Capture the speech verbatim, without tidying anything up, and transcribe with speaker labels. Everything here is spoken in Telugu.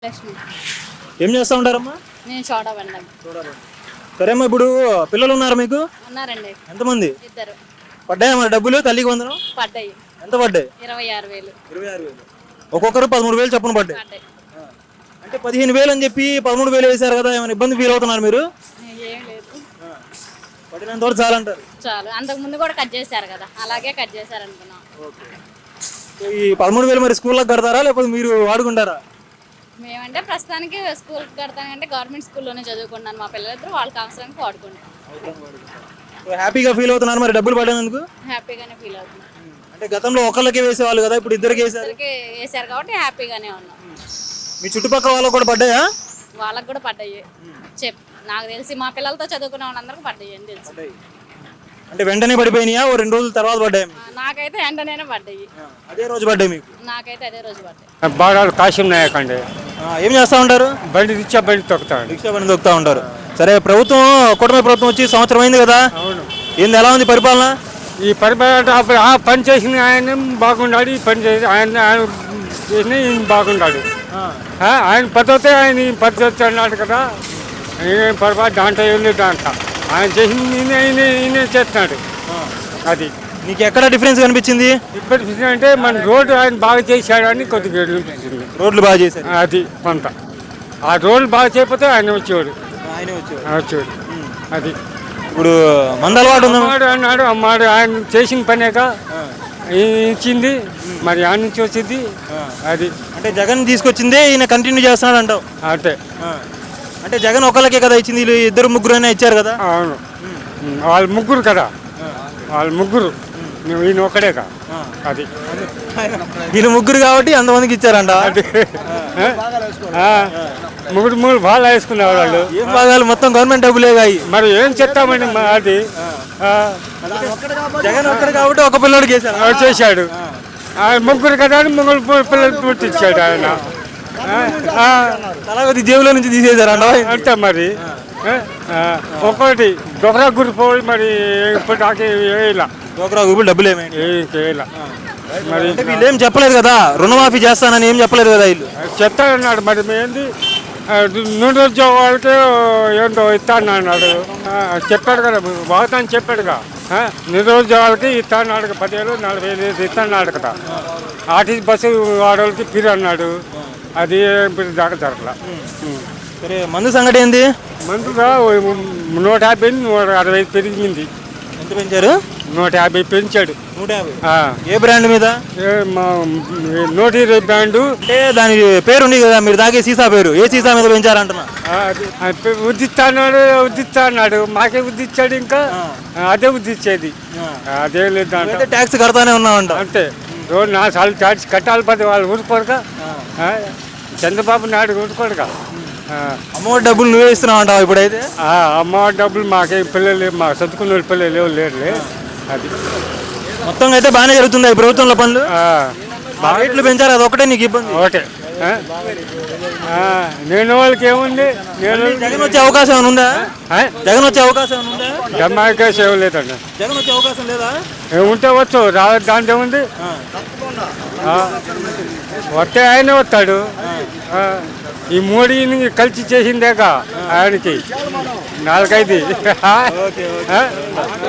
Speaker 1: లక్ష్మి.
Speaker 2: ఏం చేస్తా ఉంటారమ్మా?
Speaker 1: నేను చోటా బండి.
Speaker 2: సరే అమ్మా, ఇప్పుడు పిల్లలు ఉన్నారు మీకు?
Speaker 1: ఉన్నారండి,
Speaker 2: ఎంతమంది?
Speaker 1: ఇద్దరు.
Speaker 2: పడ్డాయా మరి డబ్బులు తల్లికి వందనం?
Speaker 1: పడ్డాయి.
Speaker 2: ఎంత పడ్డాయి?
Speaker 1: ఇరవై ఆరు వేలు.
Speaker 2: ఇరవై ఆరు వేలు ఒక్కొక్కరు పదమూడు వేలు చొప్పున పడ్డాయి.
Speaker 1: పడ్డాయి.
Speaker 2: అంటే పదిహేను వేలు అని చెప్పి పదమూడు వేలు వేశారు కదా, ఏమైనా ఇబ్బంది ఫీల్ అవుతున్నారు మీరు?
Speaker 1: ఏం లేదు,
Speaker 2: పడినంత వరకు చాలంటారు.
Speaker 1: చాలు. అంతకు ముందు కూడా కట్ చేశారు కదా, అలాగే కట్ చేశారు అనుకున్నాం.
Speaker 2: ఈ పదమూడు వేలు మరి స్కూల్లకు కడతారా లేకపోతే మీరు వాడుకుంటారా?
Speaker 1: మేమంటే ప్రస్తుతానికి స్కూల్ కడతానంటే గవర్నమెంట్ స్కూల్లోనే చదువుకున్నాను. మా పిల్లలిద్దరూ వాళ్ళకి అవసరానికి వాడుకుంటాం.
Speaker 2: హ్యాపీగా ఫీల్ అవుతున్నారు మరి డబ్బులు పడినందుకు?
Speaker 1: హ్యాపీగానే ఫీల్ అవుతున్నాం.
Speaker 2: అంటే గతంలో ఒకళ్ళకి వేసేవాళ్ళు కదా, ఇప్పుడు ఇద్దరికి వేసారు.
Speaker 1: ఇద్దరికి వేసారు కాబట్టి హ్యాపీగానే ఉన్నాం.
Speaker 2: మీ చుట్టుపక్కల వాళ్ళకు కూడా పడ్డాయా?
Speaker 1: వాళ్ళకు కూడా పడ్డాయి. చెప్ నాకు తెలిసి మా పిల్లలతో చదువుకునే వాళ్ళందరికీ పడ్డాయి అని తెలుసు.
Speaker 2: అంటే వెంటనే పడిపోయినాయా, ఓ రెండు రోజుల తర్వాత పడ్డాయి?
Speaker 1: నాకైతే వెంటనే పడ్డాయి.
Speaker 2: అదే రోజు పడ్డాయి మీకు?
Speaker 1: నాకైతే అదే రోజు పడ్డాయి.
Speaker 3: బాగా కాశీ నాయక్ అండి.
Speaker 2: ఏం చేస్తా ఉంటారు?
Speaker 3: బండి రిక్షా బండి తొక్కుతాడు.
Speaker 2: రిక్షా బండి తొక్కుతా ఉంటారు. సరే, ప్రభుత్వం కూటమి ప్రభుత్వం వచ్చి సంవత్సరం అయింది కదా,
Speaker 3: అవును.
Speaker 2: ఏంది ఎలా ఉంది పరిపాలన?
Speaker 3: ఈ పరిపాలన అప్పుడు ఆ పని చేసిన ఆయన బాగున్నాడు, ఈ పని చేసి ఆయన ఆయన చేసిన ఈయన బాగున్నాడు. ఆయన పద్ధతి ఆయన ఈ పద్ధతి అన్నాడు కదా, ఏం పరిపాలన దాంట్లో ఏం లేదు. దాంట్లో ఆయన చేసిన ఈయన ఈయన ఈయన చేస్తున్నాడు. అది
Speaker 2: నీకు ఎక్కడ డిఫరెన్స్ కనిపించింది?
Speaker 3: ఇప్పటి అంటే మన రోడ్డు ఆయన బాగా చేశాడు అని కొద్దిగా అనిపించింది.
Speaker 2: రోడ్లు బాగా చేశారు,
Speaker 3: అది కొంత. ఆ రోడ్లు బాగా చేయకపోతే ఆయన వచ్చేవాడు.
Speaker 2: ఆయనే వచ్చారు.
Speaker 3: వచ్చేవాడు. అది
Speaker 2: ఇప్పుడు మంద అలవాటు ఉందా?
Speaker 3: అమ్మాడు అన్నాడు, అమ్మాడు ఆయన చేసిన పనేక ఇచ్చింది, మరి ఆయన నుంచి వచ్చింది. అది
Speaker 2: అంటే జగన్ తీసుకొచ్చిందే ఈయన కంటిన్యూ చేస్తున్నాడు అంటావు?
Speaker 3: అంటే
Speaker 2: అంటే జగన్ ఒకళ్ళకే కదా ఇచ్చింది, వీళ్ళు ఇద్దరు ముగ్గురు అయినా ఇచ్చారు కదా?
Speaker 3: అవును, వాళ్ళు ముగ్గురు కదా, వాళ్ళు ముగ్గురు, ఈయన ఒక్కడేక. అది
Speaker 2: వీళ్ళు ముగ్గురు కాబట్టి అంతమందికి ఇచ్చారంట.
Speaker 3: అది ముగ్గురు మూడు బాగా వేసుకున్నారు వాళ్ళు.
Speaker 2: ఏం భాగాలు? మొత్తం గవర్నమెంట్ డబ్బులేగా.
Speaker 3: మరి ఏం చెప్తామండి, అది
Speaker 2: జగన్ ఒక్కడు కాబట్టి ఒక పిల్లడికి వేశారు,
Speaker 3: చేశాడు. ముగ్గురు కదా అని ముగ్గురు పిల్లలు పుట్టించాడు ఆయన.
Speaker 2: తలగతి జేబులో నుంచి తీసేశారంట
Speaker 3: అంతే మరి. ఒక్కొక్కటి డొకరా గురి పోయి మరి ఇప్పుడు నాకు వేయాల
Speaker 2: డోక్రా గ్రూపులు డబ్బులు ఏమైనా
Speaker 3: ఏం చేయాల. మరి
Speaker 2: వీళ్ళు ఏం చెప్పలేదు కదా, రుణమాఫీ చేస్తానని ఏం చెప్పలేదు కదా వీళ్ళు?
Speaker 3: చెప్తానన్నాడు. మరి ఏంది నూనె ఉద్యోగాలకి ఏంటో ఇస్తాను అన్నాడు. చెప్పాడు కదా, వాగ్దానం చెప్పాడుగా. నిరుద్యోగాలకి ఇస్తాడు, పదివేలు నలభై వేలు ఇస్తాడు కదా. ఆర్టీసీ బస్సు వాడవాళ్ళకి పిరి అన్నాడు, అది దాకా జరగల.
Speaker 2: సరే, మందు సంగతి ఏంది?
Speaker 3: మందుగా నూట యాభై నూట అరవై పెరిగింది.
Speaker 2: ఎంత పెంచారు?
Speaker 3: నూట యాభై పెంచాడు.
Speaker 2: నూట యాభై ఏ బ్రాండ్ మీద?
Speaker 3: నూట ఇరవై బ్రాండు.
Speaker 2: అంటే దాని పేరు ఉంది కదా, మీరు తాగే సీసా పేరు ఏ సీసా మీద పెంచారంటున్నా?
Speaker 3: ఉద్దిస్తా అన్నాడు, ఉద్దిస్తా అన్నాడు, మాకే ఉద్దిచ్చాడు. ఇంకా అదే ఉద్దిచ్చేది, అదే లేదు. అంటే
Speaker 2: ట్యాక్స్ కడతానే ఉన్నామంట.
Speaker 3: అంతే, రోజు నా సార్లు ట్యాక్స్ కట్టాలి. పది వాళ్ళు ఊరుకోరుగా, చంద్రబాబు నాయుడు ఊరుకోరుగా.
Speaker 2: అమ్మఒడి డబ్బులు నువ్వే ఇస్తున్నావు అంటావు ఇప్పుడైతే?
Speaker 3: అమ్మఒడి డబ్బులు మాకే పిల్లలు, మా చదువుకున్న పిల్లలు లేరులే. అది
Speaker 2: మొత్తం అయితే బాగానే జరుగుతుంది ఈ ప్రభుత్వంలో పనులు. రేట్లు పెంచారు, అది ఒకటే నీకు ఇబ్బంది?
Speaker 3: ఒకటే. నేను వాళ్ళకి ఏముంది, నేను
Speaker 2: జగన్ వచ్చే అవకాశం ఏమైనా ఉందా? జగన్ వచ్చే అవకాశం ఏమైనా ఉందా?
Speaker 3: జమాకాశం ఏం లేదండి.
Speaker 2: జగన్ వచ్చే అవకాశం లేదా?
Speaker 3: ఏముంటే వచ్చు, రా దాంట్లో ఉంది. వస్తే ఆయనే వస్తాడు. ఈ మోడీని కలిసి చేసిందేగా ఆయనకి నాలుగైదు.